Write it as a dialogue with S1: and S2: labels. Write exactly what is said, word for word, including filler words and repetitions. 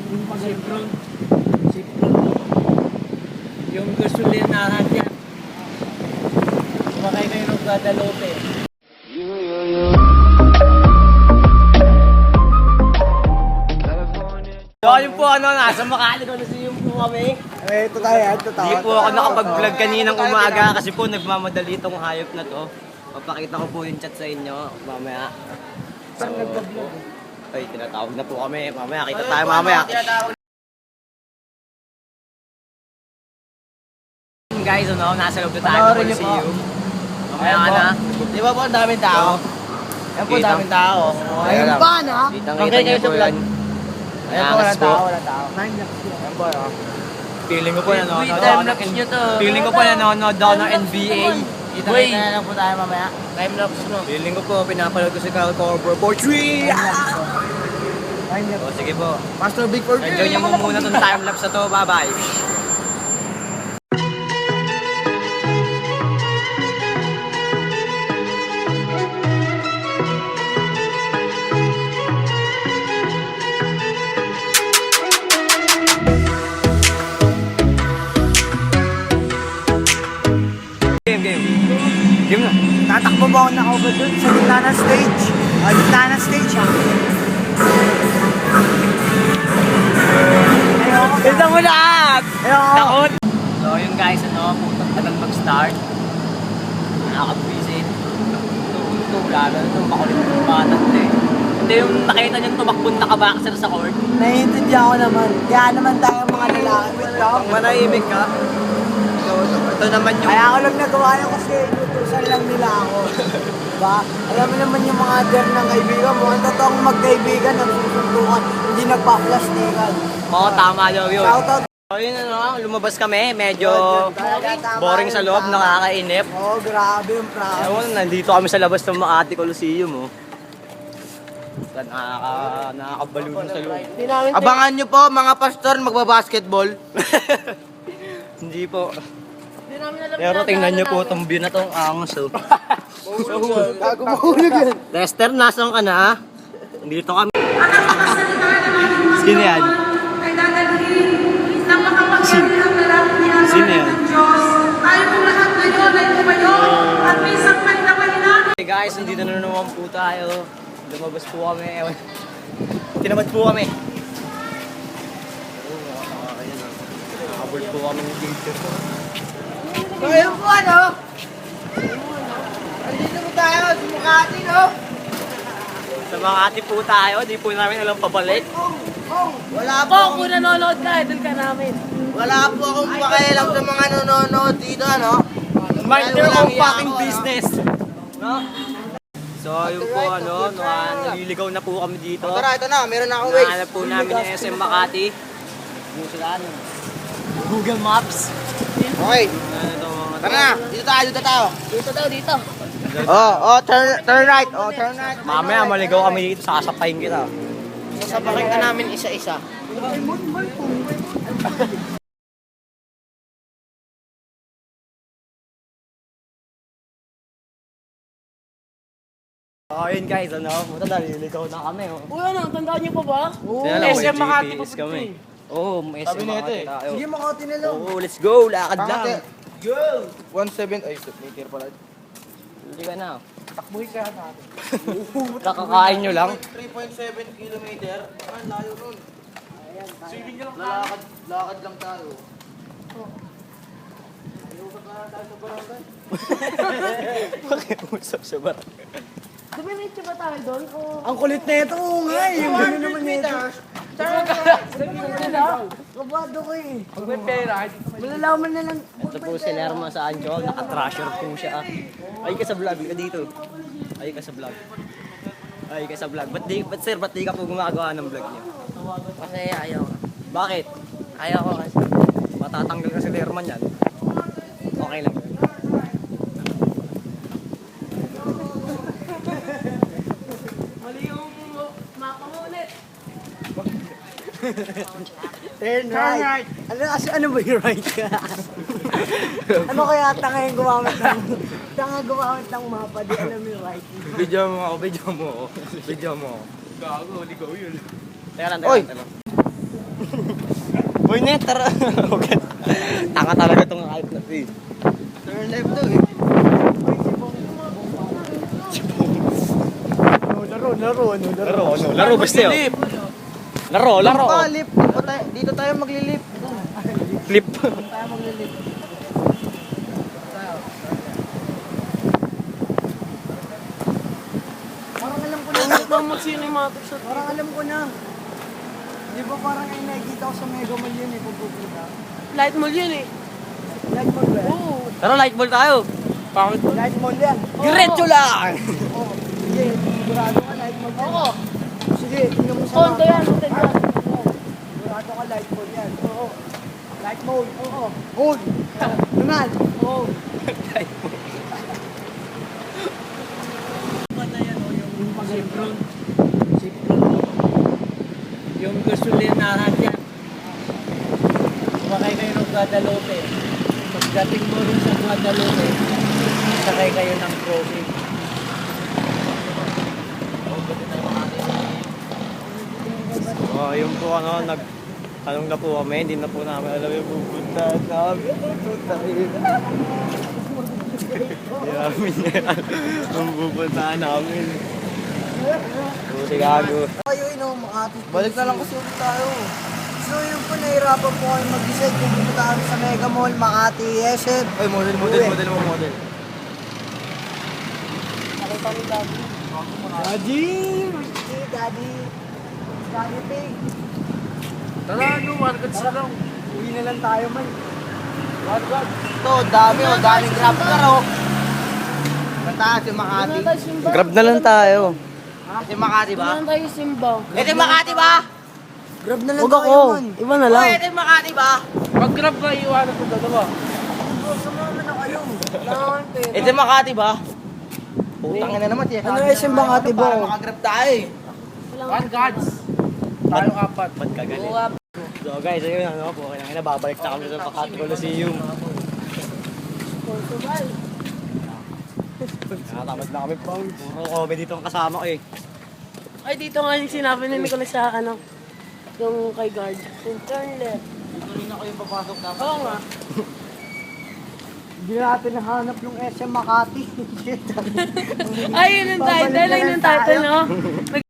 S1: Yung pag-Sipron. Sipron. Yung gasolinahan dyan. Sumakay kayo ng Guadalupe. So yun po ano, nasa Makati ko na siya po kami.
S2: Eh, ito tayo, ito tayo.
S1: Hindi po ako nakapag-vlog kaninang umaga kasi po nagmamadali itong hayop na to. Papakita ko po yung chat sa inyo mamaya. So, ay, tinatawag na po kami. Mamaya, kita tayo mamaya. Guys, ano, nasa loob na tayo ng Coliseum. Mamaya ka na.
S2: Di ba po ang daming tao? Yan po,
S1: Kita.
S2: daming tao.
S1: Ayun
S2: Ayun pa, na?
S1: Kitang-kita niyo po yan.
S2: Ayan po, walang tao, walang tao. Ayan po, oh.
S1: Feeling ko po nanonood ako
S3: time-lapse nyo to.
S1: Feeling ko po nanonood ako ng N B A.
S2: Kita-kita na lang po tayo mamaya.
S3: Time-lapse no.
S1: Feeling ko po, pinapanood ko si Kyle Korver for three! O sige po.
S2: Master Big for
S1: Enjoy niyo mo muna itong time-lapse na to. Bye-bye! Game, game. Game na.
S2: Tatakbo ba ako naka-over dun sa gitna ng stage? Ah, gitna ng stage, ha? Ayoko.
S1: Ito mo lahat!
S2: Ayoko.
S1: Takot! So yun guys, ano, putang tagal mag-start. Nakakabwisit. Ito, lalo na itong makulit ng bata ito eh. Hindi yung nakita niyang tumakbon nakabaksir sa court.
S2: Naiintindihan ko naman. Kaya naman tayo mga lalaki. Wait lang.
S1: Manahimik ka. So, ito naman yung...
S2: Kaya ako lang nagawa yun kasi inutusan lang nila ako. Diba? Alam mo naman yung mga der ng kaibigan mo. Ang totoong magkaibigan, nagsusuntukan, hindi nagpa-plastikan.
S1: Oo, tama daw yun.
S2: Shoutout.
S1: So yun ano, lumabas kami. Medyo
S2: Talaga, tama
S1: boring
S2: yun,
S1: sa loob,
S2: tama.
S1: nakakainip.
S2: Oo, oh, grabe yung promise.
S1: Ewan, nandito kami sa labas ng Makati Coliseum, oh. Nakaka, nakakabalo na sa loob.
S2: Abangan nyo po mga pastor magbabasketball.
S1: Hindi po. Pero tingnan nyo po itong view na itong angas, oh.
S2: Gago mahulog yan.
S1: Lester, nasaan ka na? Dito kami. Sino yan? Sino? Sino yan? Hey guys, nandito na naman po tayo. Lumabas po kami. Ewan. Tinamad po kami. Oh, ayan, oh. Nakabol po kami ng teacher.
S2: Ngayon po ano? Andito po tayo sa Makati, no?
S1: Sa Makati po tayo, di po namin alam pabalik.
S2: Wala po.
S3: Po, kung nanonood ka, idol ka namin.
S2: Wala po akong pakialam sa mga nanonood dito, ano?
S1: Mind your
S2: Walang
S1: own
S2: iya
S1: fucking
S2: ako, ano?
S1: business. No? So, yun po, ano, no, naliligaw na po kami dito.
S2: O, tara, ito na. Meron na akong ways.
S1: Nahanap po namin yung S M Makati. Yung sila, ano, Google Maps.
S2: Okay.
S1: Ano ito, mga
S2: Tara na. Dito tayo, dito tayo.
S3: Dito daw, dito.
S2: Oh, oh, turn, turn right. Oh, turn right.
S1: Mamaya maligaw kami dito, sasapayin kita.
S3: Sasabakin ka namin isa-isa.
S1: So, yun guys, ano, puta naliligaw na kami, oh.
S3: Uy, ano, tandaan niyo pa ba?
S1: Kaya lang,
S3: S M
S1: may
S3: Makati
S1: G P S
S3: pa
S1: kami. Oo, may S M Makati tayo.
S2: Sige, Makati na lang.
S1: Oo, let's go, lakad lang.
S2: Go! one seven, ay, meter pala.
S1: Hindi ka na.
S2: Takbuhin kaya natin.
S1: Kakakain nyo lang.
S2: three point seven kilometer. Ang layo nun. Sige nyo lang. Lakad, lakad lang tayo. Ayusap na lang tayo sa barangay.
S1: Pakiusap sa barangay.
S3: Dumiretso ba tayo doon? O...
S2: Ang kulit na ito, oo nga eh. Yung gano'n naman nito. Kabado ko eh.
S3: Pag may pera,
S2: Malalaman na lang.
S1: Ito po si Lerma sa Anjol, naka-trasher po siya. Ay ka sa vlog, ka dito. Ay ka sa vlog. Ay ka sa vlog. Ba't, di, ba't sir, ba't di ka po gumagawa ng vlog niya?
S3: kasi ayaw.
S1: Bakit?
S3: Ayaw ko kasi.
S1: Matatanggal ka si Lerman yan. Okay lang.
S3: Mali yung mapa mo ulit.
S2: Turn right. Ano, kasi, ano ba yung right ka? Ano kaya tanga yung gumamit ng... Tanga gumamit ng mapa, di alam yung right.
S1: Video mo ako, video mo ako. Video mo ako. Gago, ligaw yun. Teka lang, teka
S2: Oy!
S1: lang, teka lang. Boy, net, tara. Tanga talaga itong hype na to eh. Turn left to eh.
S2: Laro, laro, ano,
S1: Laro, ano? Laro, basta yun. Laro, laro.
S2: Lip, dito tayo, dito tayo maglilip.
S1: Flip.
S2: Tayo maglilip. Parang alam ko na.
S3: Ito mag-cinematic shot.
S2: Parang alam ko na. Di ba parang ay nakikita ko sa Mega Mall yun eh, pagpupunta.
S3: Light mall yun eh.
S2: Light Mall ba yan?
S3: Oo.
S1: Tara, light ball tayo.
S3: Bakit?
S2: Light Mall yan.
S1: Diretso lang.
S2: Oo. Sige, sigurado ka Light Mall yan.
S3: Oo.
S2: Sige, tingnan mo sa
S3: Kondo
S2: mapa.
S3: yan. Hotel yan.
S2: Sigurado ka Light Mall yan. Oo. Light Mall. Oo. Hold. Naman. Oo.
S4: Sipron. Sipron. Yung gasolinahan dyan. Sumakay kayo ng Guadalupe. Pagdating mo rin sa Guadalupe, sakay kayo ng crossing.
S1: Oh, yung po ano, nag tanong na po kami, hindi na po namin alam yung pupuntahan namin. Putahin. Hindi namin alam yung pupuntahan namin. Buti gago.
S2: Kayo ino, Makati. Balik na lang kasi ulit tayo. So yun po, nahirapan po kayo mag-decide kung pupunta kami sa Mega Mall, Makati, S M.
S1: Ay, model, model, model mo, model.
S3: Nakita ni Daddy.
S2: Daddy! Hey, Daddy! Daddy Pig!
S4: Tara, ano, markets na lang.
S2: Uwi na lang tayo, man. Ito, dami oh, daming grab car oh. Mataas yung Makati.
S3: Doon na tayo simba.
S1: Grab na lang tayo.
S2: Kasi Makati
S3: Doon na tayo simba.
S1: Ito yung Makati ba?
S2: Grab na lang
S3: Huwag
S2: tayo,
S3: ako.
S2: man.
S3: Iba na lang.
S1: Ito yung Makati ba?
S4: Pag-grab ka, iwanan ko dalawa.
S2: Sumama na kayo.
S3: Kailangan pera.
S1: Ito yung Makati ba? Putang ina naman. tiyak.
S2: Ano yung Makati ba?
S1: Para makagrab tayo eh.
S4: One guards. Tayo apat.
S1: Ba't ka galit?
S3: Buwap.
S1: So guys, ayun ano po, kailangan na babalik na kami sa Makati Coliseum.
S3: Portugal.
S1: Nakatamad na kami po. Puro comedy dito ang kasama ko eh.
S3: Ay, dito nga yung sinabi ni Nicolas sa ano. Yung kay guard. Yung turn left.
S1: Hindi na kayo papasok na.
S3: Oo nga.
S2: Hindi natin nahanap yung S M Makati.
S3: Ay, yun yung title. Ayun yung title, no?